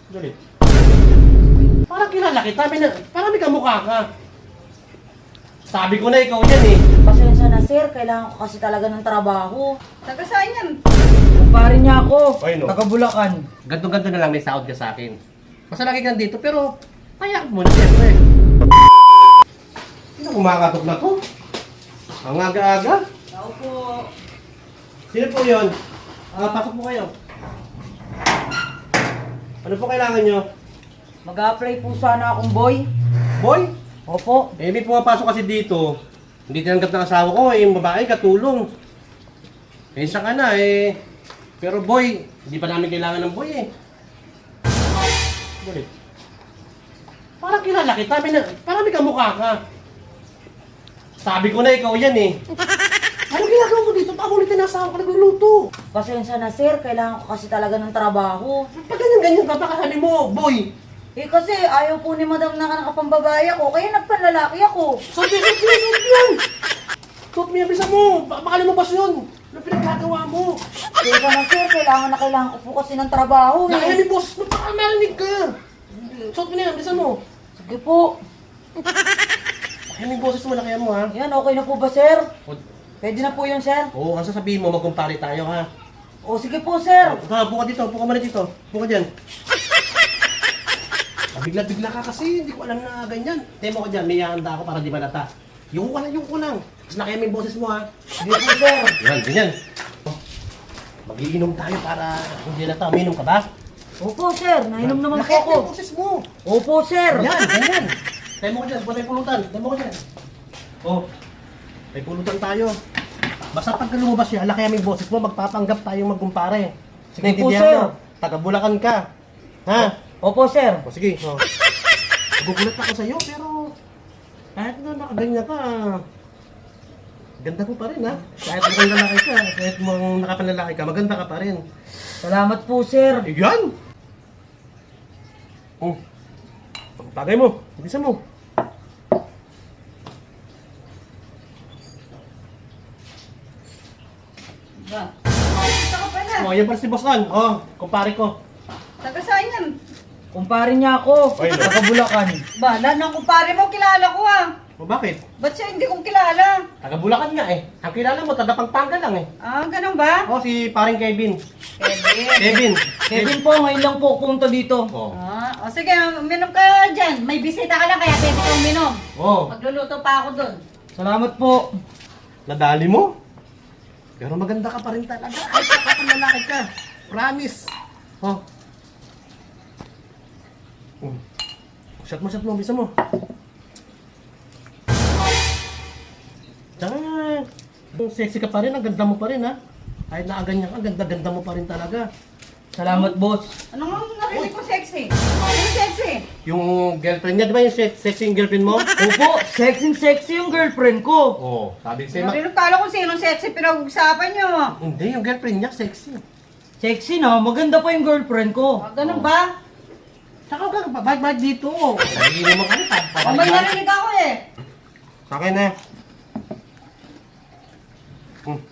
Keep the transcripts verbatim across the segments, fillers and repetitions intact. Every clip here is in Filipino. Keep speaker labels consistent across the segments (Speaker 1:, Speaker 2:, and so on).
Speaker 1: Galit. Parang kilala kita, may na, parang may kamukha ka. Sabi ko na ikaw yan eh.
Speaker 2: Pasensya na sir, kailangan ko kasi talaga ng trabaho.
Speaker 3: Taga saan yan?
Speaker 2: Kumpare niya ako,
Speaker 1: Ay, no.
Speaker 2: taga Bulacan.
Speaker 1: Ganto-ganto na lang may sahod ka sa akin. Basta lagi ka dito, pero kaya mo na siyempre. Sino kumakatok na to? Ang aga-aga.
Speaker 3: Ako po.
Speaker 1: Sino po yun? Ah, pasok po kayo. Ano po kailangan nyo?
Speaker 2: Mag-a-apply po sana akong boy.
Speaker 1: Boy?
Speaker 2: Opo.
Speaker 1: Eh, may pumapasok kasi dito. Hindi tinanggap ng asawa ko, eh, yung babae, katulong. Eh, isa ka na, eh. Pero boy, hindi pa namin kailangan ng boy, eh. Galit. Parang kilala kita, may na, parang may kamukha ka. Sabi ko na ikaw yan, eh. Ano ginagawa mo dito? Pakulitin na asawa ka nagluluto.
Speaker 2: Pasensya na sir, kailangan ko kasi talaga ng trabaho.
Speaker 1: Pag ganyan-ganyan ka, baka hali mo, boy.
Speaker 2: Eh kasi ayaw po ni madam na nakapambabae ako, kaya nagpanlalaki ako.
Speaker 1: Suot mo, suot mo, suot mo yan! Suot mo yan, bisa mo! Baka baka lumabas yun! Ano pinagkagawa mo?
Speaker 2: Pasensya na sir, kailangan na kailangan ko po kasi ng trabaho
Speaker 1: Nakaya
Speaker 2: eh.
Speaker 1: ni boss, baka marinig ka! Suot mo na yan, bisa mo!
Speaker 2: Sige po.
Speaker 1: Nakaya ni boses mo, nakaya mo ha?
Speaker 2: Yan, okay na po ba sir?
Speaker 1: O,
Speaker 2: Pwede na po yun sir?
Speaker 1: Oo, ang sasabihin mo, magkumpare tayo ha?
Speaker 2: O sige po sir.
Speaker 1: Ha, buka dito, buka muna dito. Buka dyan. Bigla-bigla ka kasi, hindi ko alam na ganyan. Temo ko dyan, may handa ako para di malata. Yung ko lang, yung ko lang. Tapos nakaya mo yung boses mo ha?
Speaker 2: Sige po sir.
Speaker 1: Yan, ganyan. Magiinom tayo para hindi lata. Uminom ka ba?
Speaker 2: Opo sir, nainom naman po
Speaker 1: Nakaya
Speaker 2: ako.
Speaker 1: mo yung boses mo.
Speaker 2: Opo sir.
Speaker 1: Yan, ganyan. Tayo mo ko dyan, punta yung pulutan. Tayo mo ko dyan. Oh, may pulutan tayo. Basta pagka lumabas siya, laki yung boses mo, magpapanggap tayong magkumpare. Sige,
Speaker 2: Opo,
Speaker 1: intindihan
Speaker 2: sir.
Speaker 1: mo. Taga Bulacan ka. Ha?
Speaker 2: Opo sir.
Speaker 1: O sige. Oh. Nagugulat ako sa'yo, pero kahit na nakaganyan ka, ganda mo pa rin ha. Kahit mukhang lalaki ka, kahit mukhang nakapanlalaki ka, maganda ka pa rin.
Speaker 2: Salamat po sir.
Speaker 1: Eh, yan! Oh. Tagay mo, ibisa mo.
Speaker 3: Ba? Kita ka pala.
Speaker 1: Oh, yan pala si Boss An. Oh, kumpare ko.
Speaker 3: Taga saan yan?
Speaker 2: Kumpare niya ako,
Speaker 1: Ay, no.
Speaker 2: taga Bulacan.
Speaker 3: Ba, lahat ng kumpare mo, kilala ko ah.
Speaker 1: O bakit?
Speaker 3: Ba't siya hindi kong kilala?
Speaker 1: Taga Bulacan nga eh. Ang kilala mo, taga Pampanga lang eh.
Speaker 3: Ah, ganun ba?
Speaker 1: Oh, si paring Kevin.
Speaker 3: Kevin.
Speaker 1: Kevin.
Speaker 2: Kevin po, ngayon lang po pumunta dito.
Speaker 1: Oh.
Speaker 3: Ah, o sige, uminom ka dyan. May bisita ka lang, kaya pwede ka uminom.
Speaker 1: Oh,
Speaker 3: Magluluto pa ako doon.
Speaker 2: Salamat po.
Speaker 1: nadali mo. Pero maganda ka pa rin talaga. Ay, kapag lalaki ka. Promise. Oh. Oh. Shot mo, shot mo, bisa mo. Tsaka, sexy ka pa rin, ang ganda mo pa rin ha. Kahit nakaganyan ka, ang ganda-ganda mo pa rin talaga.
Speaker 2: Salamat boss.
Speaker 3: Ano nga narinig ko sexy? Ano sexy?
Speaker 1: Yung girlfriend niya, di ba yung se- sexy yung girlfriend mo?
Speaker 2: Opo, sexy sexy yung girlfriend ko.
Speaker 1: Oo, oh, sabi ko sa'yo, ma-
Speaker 3: Narinig kala kung sinong sexy pinag-usapan nyo.
Speaker 1: hindi, yung girlfriend niya sexy.
Speaker 2: Sexy na, maganda pa yung girlfriend ko.
Speaker 3: Ah, ganun ba?
Speaker 1: Saka ka, babag-bag dito. Sabihin mo kami,
Speaker 3: O may narinig ako eh.
Speaker 1: Sa akin na. Hmm.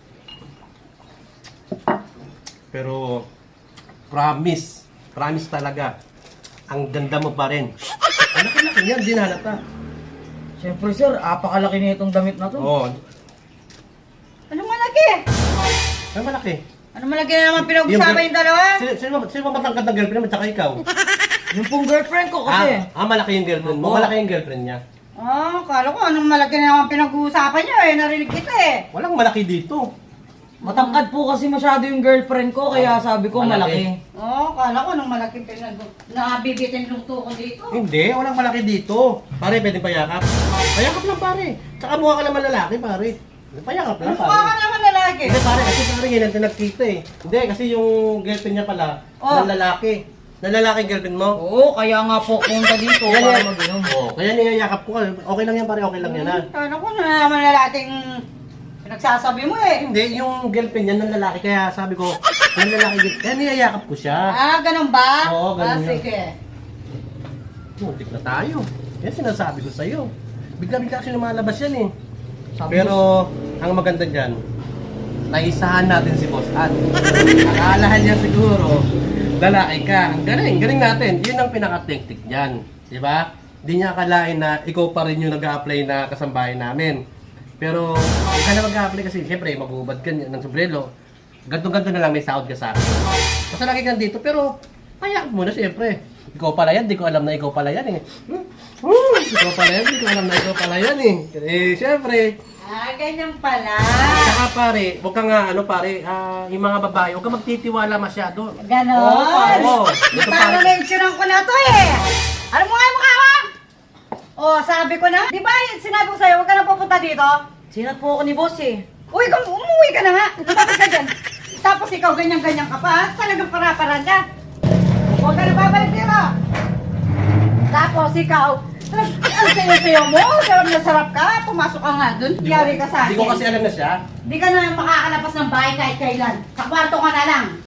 Speaker 1: Pero, promise, promise talaga, ang ganda mo pa rin. Ang laki-laki niyan, di na halata.
Speaker 2: Siyempre sir, apakalaki na itong damit na to.
Speaker 1: Oo.
Speaker 3: Anong malaki?
Speaker 1: Ay, malaki.
Speaker 3: Ano malaki na naman pinag-usapan yung dalawa?
Speaker 1: Sino, sino, ba- sino ba matangkad ng girlfriend mo, tsaka ikaw?
Speaker 2: Yung pong girlfriend ko kasi.
Speaker 1: Ah, ah, malaki yung girlfriend mo,
Speaker 2: Oo.
Speaker 1: malaki yung girlfriend niya.
Speaker 3: Ah, kala ko anong malaki na naman pinag-uusapan nyo eh. Narinig kita eh.
Speaker 1: Walang malaki dito.
Speaker 2: Matangkad po kasi masyado yung girlfriend ko, kaya sabi ko
Speaker 1: Malaki.
Speaker 2: malaki.
Speaker 3: Oh, kala ko anong malaki pinag... Nabibitin luto ko dito.
Speaker 1: Hindi, walang malaki dito. Pare, pwedeng payakap. Payakap lang pare. Tsaka mukha ka naman lalaki pare. Payakap lang
Speaker 3: Ano ka
Speaker 1: pare.
Speaker 3: naman lalaki?
Speaker 1: Hindi pare, kasi pare ngayon natin nagkita eh. Hindi, kasi yung girlfriend niya pala,
Speaker 3: Oh.
Speaker 1: ng lalaki. Ng lalaki girlfriend mo.
Speaker 2: Oo, kaya nga po punta dito
Speaker 1: Kaya
Speaker 2: para
Speaker 1: niya,
Speaker 2: mag-inom.
Speaker 1: oh, kaya niyayakap ko. Okay lang yan pare, okay lang yan ha.
Speaker 3: Kala ko na naman lalaking pinagsasabi mo eh.
Speaker 1: Hindi, yung girlfriend niya ng lalaki, kaya sabi ko, ng lalaki, kaya niyayakap ko siya.
Speaker 3: Ah, ganun ba?
Speaker 1: Oo, ganun
Speaker 3: Ah,
Speaker 1: yun.
Speaker 3: sige.
Speaker 1: Muntik na tayo. Yan sinasabi ko sa'yo. Bigla-bigla kasi lumalabas yan eh.
Speaker 2: Sabi
Speaker 1: Pero, ang maganda dyan, naisahan natin si Boss An. Akalahan niya siguro, lalaki ka. Ang galing, galing natin. Yun ang pinaka-technique niyan. Di ba? Hindi niya akalain na ikaw pa rin yung nag-a-apply na kasambahay namin. Pero, ka na mag-a-apply kasi, siyempre, mag-uubad ka ng sombrero. Ganto-ganto na lang may sahod ka sa akin. Basta lagi ka dito, pero, kaya mo na siyempre. Ikaw pala yan, di ko alam na ikaw pala yan eh. Hmm? Hmm, ikaw pala yan, di ko alam na ikaw pala yan eh. Eh, siyempre,
Speaker 3: Ah, ganyan pala.
Speaker 1: saka pare, huwag ka nga, ano pare, ah, yung mga babae, huwag ka magtitiwala masyado.
Speaker 3: Ganon.
Speaker 1: Oo. Ito
Speaker 3: Parang
Speaker 1: pare.
Speaker 3: na-insuran ko na to eh. Alam mo nga yung mukha mo? Oh, sabi ko na. Di ba sinabi ko sa'yo, huwag ka na pupunta dito?
Speaker 2: Sinat po ako ni boss eh.
Speaker 3: Uy, kung umuwi ka na nga. Lumapit ka dyan. Tapos ikaw ganyan-ganyan ka pa. ha? Talagang para-paran ka. Huwag ka na babalik dito. Tapos ikaw, ang sayo-sayo mo, sarap na sarap ka. Pumasok ka nga dun.
Speaker 1: Di ko-
Speaker 3: Yari ka sa akin.
Speaker 1: Di ko kasi alam na siya.
Speaker 3: Di ka na makakalabas ng bahay kahit kailan. Sa kwarto ka na lang.